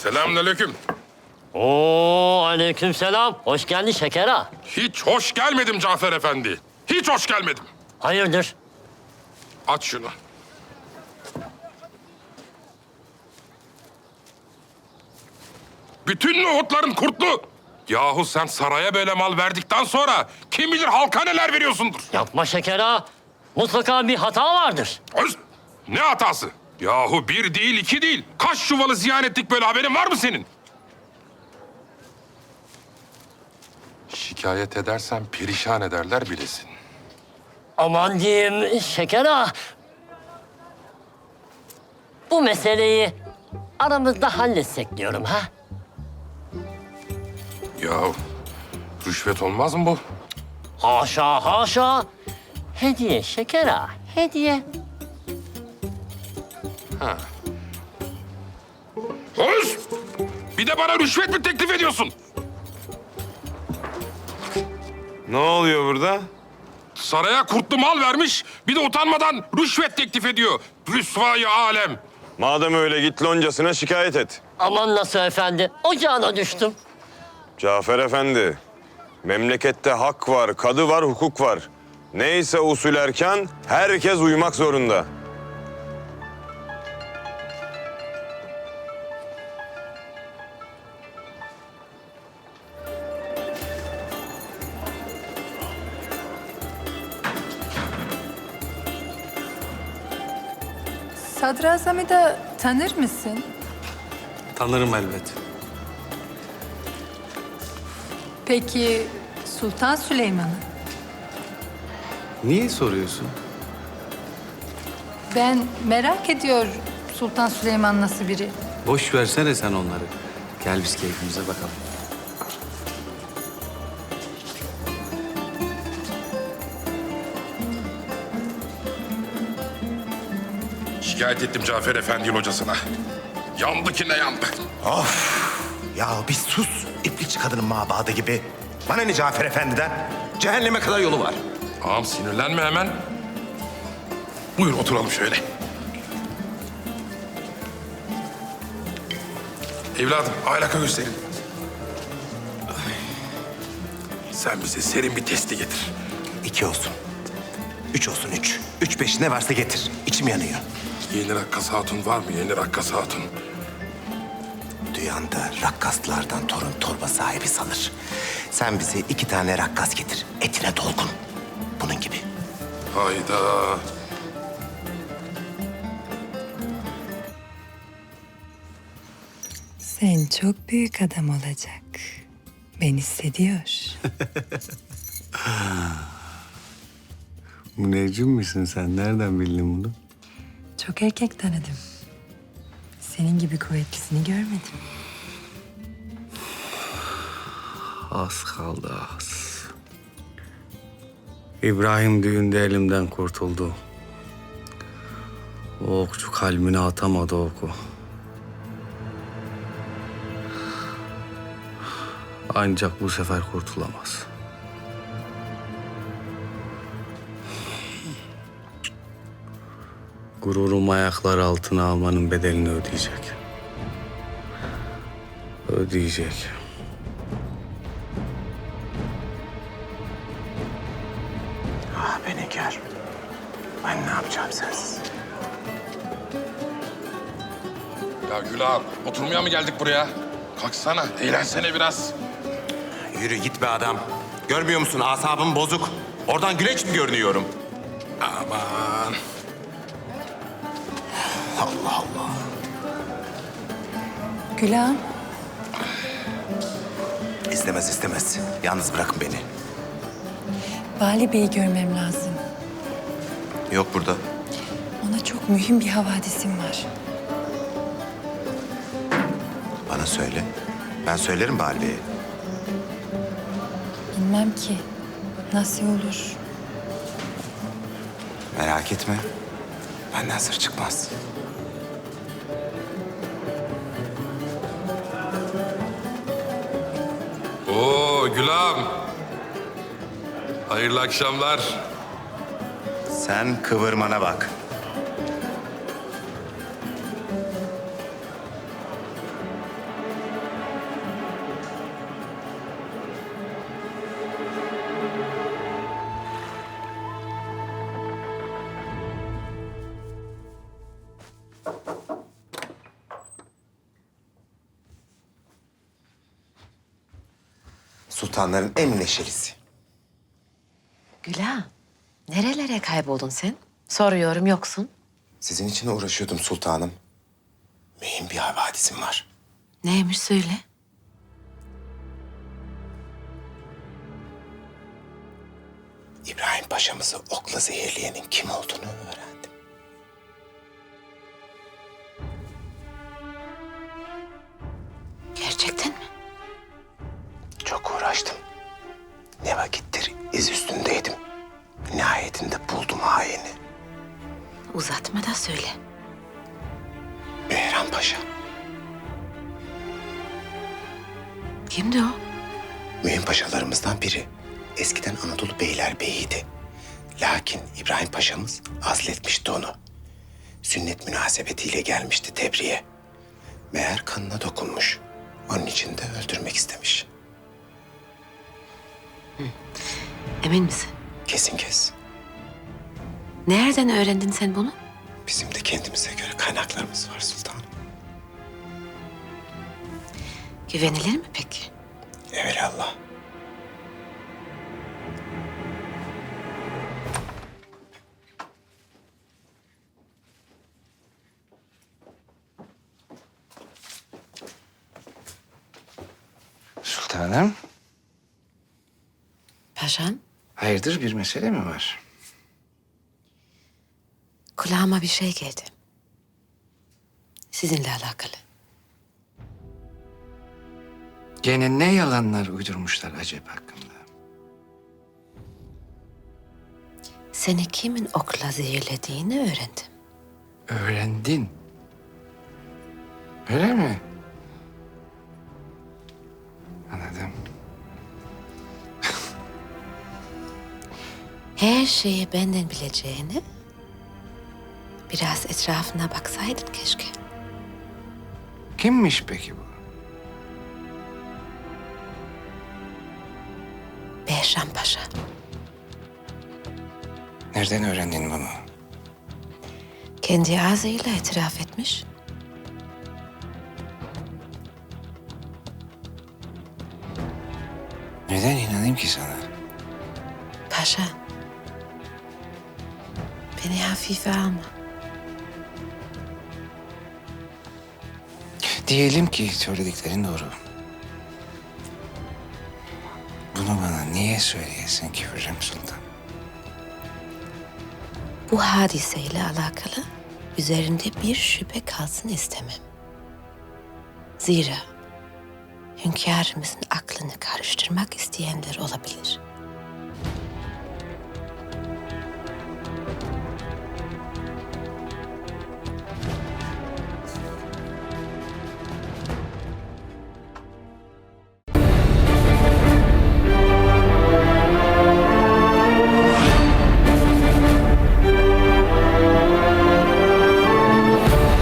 Selamünaleyküm. Oo, aleykümselam. Hoş geldin Şeker ağa. Hiç hoş gelmedim Cafer Efendi. Hiç hoş gelmedim. Hayırdır? Aç şunu. Bütün nohutların kurtlu. Yahu sen saraya böyle mal verdikten sonra kim bilir halka neler veriyorsundur. Yapma Şeker ağa. Mutlaka bir hata vardır. Öz, ne hatası? Yahu bir değil, iki değil. Kaç çuvalı ziyan ettik böyle, haberin var mı senin? Şikayet edersen perişan ederler bilesin. Aman diyeyim Şeker ağa. Bu meseleyi aramızda halletsek diyorum ha. Yahu rüşvet olmaz mı bu? Haşa haşa. Hediye Şeker ağa, hediye. Öz! Bir de bana rüşvet mi teklif ediyorsun? Ne oluyor burada? Saraya kurtlu mal vermiş, bir de utanmadan rüşvet teklif ediyor. Rüsvayı alem. Madem öyle git loncasına şikayet et. Aman nasıl efendi, ocağına düştüm. Cafer Efendi, memlekette hak var, kadı var, hukuk var. Neyse usul erken, herkes uymak zorunda. Sadrazam'ı da tanır mısın? Tanırım elbet. Peki Sultan Süleyman'ı? Niye soruyorsun? Ben merak ediyor Sultan Süleyman nasıl biri? Boş versene sen onları. Gel biz keyfimize bakalım. Şikayet ettim Cafer Efendi'nin hocasına. Yandı ki ne yandı. Ya bir sus. İplikçi kadının mabadı gibi. Bana ne Cafer Efendi'den? Cehenneme kadar yolu var. Ağam sinirlenme hemen. Buyur oturalım şöyle. Evladım aylaka gösterin. Sen bize serin bir testi getir. 2 olsun. 3 olsun 3. 3 5 ne varsa getir. İçim yanıyor. Yeni rakkas hatun var mı? Yeni rakkas hatun. Duyan da rakkaslardan torun torba sahibi sanır. Sen bize 2 tane rakkas getir. Etine dolgun. Bunun gibi. Hayda. Sen çok büyük adam olacak. Ben hissediyor. Müneccim misin sen? Nereden bildin bunu? Çok erkek tanıdım. Senin gibi kuvvetlisini görmedim. Az kaldı az. İbrahim düğünde elimden kurtuldu. O okçu kalbine atamadı oku. Ancak bu sefer kurtulamaz. Gururum ayakları altına almanın bedelini ödeyecek. Ödeyecek. Ah beni gör. Ben ne yapacağım sensiz? Ya Gül ağam, oturmaya mı geldik buraya? Kalksana, eğlensene biraz. Yürü git be adam. Görmüyor musun asabım bozuk. Oradan güleç mi görünüyorum? Aman. Allah Allah. Gülağım, İstemez istemez. Yalnız bırakın beni. Vali Bey'i görmem lazım. Yok burada. Ona çok mühim bir havadisim var. Bana söyle. Ben söylerim Bali Bey'e. Bilmem ki. Nasıl olur? Merak etme. Benden sır çıkmaz. Oo Gül ağam. Hayırlı akşamlar. Sen kıvırmana bak. Sultanların en neşelisi. Güla, nerelere kayboldun sen? Soruyorum yoksun. Sizin için uğraşıyordum sultanım. Mühim bir havadisim var. Neymiş söyle. İbrahim Paşa'mızı okla zehirleyenin kim olduğunu öğrendim. Gerçekten mi? Çok uğraştım. Ne vakittir iz üstündeydim. Nihayetinde buldum haini. Uzatma da söyle. Behram Paşa. Kimdi o? Mühim paşalarımızdan biri. Eskiden Anadolu Beylerbeyi'ydi. Lakin İbrahim Paşa'mız azletmişti onu. Sünnet münasebetiyle gelmişti Tebriğe. Meğer kanına dokunmuş. Onun için de öldürmek istemiş. Emin misin? Kesin kes. Nereden öğrendin sen bunu? Bizim de kendimize göre kaynaklarımız var sultanım. Güvenilir mi peki? Evelallah. Sultanım, Paşam, hayırdır bir mesele mi var? kulağıma bir şey geldi. Sizinle alakalı. Gene ne yalanlar uydurmuşlar acaba hakkında? Seni kimin okla zehirlediğini öğrendim. Öğrendin. Öyle mi? Anladım. Her şeyi benden bileceğini biraz etrafına baksaydın keşke. Kimmiş peki bu? Behram Paşa. Nereden öğrendin bunu? Kendi ağzıyla itiraf etmiş. Neden inanayım ki sana? Paşa, beni hafife alma. Diyelim ki söylediklerin doğru. Bunu bana niye söyleyesin ki Hürrem Sultan? Bu hadiseyle alakalı üzerinde bir şüphe kalsın istemem. Zira hünkârımızın aklını karıştırmak isteyenler olabilir.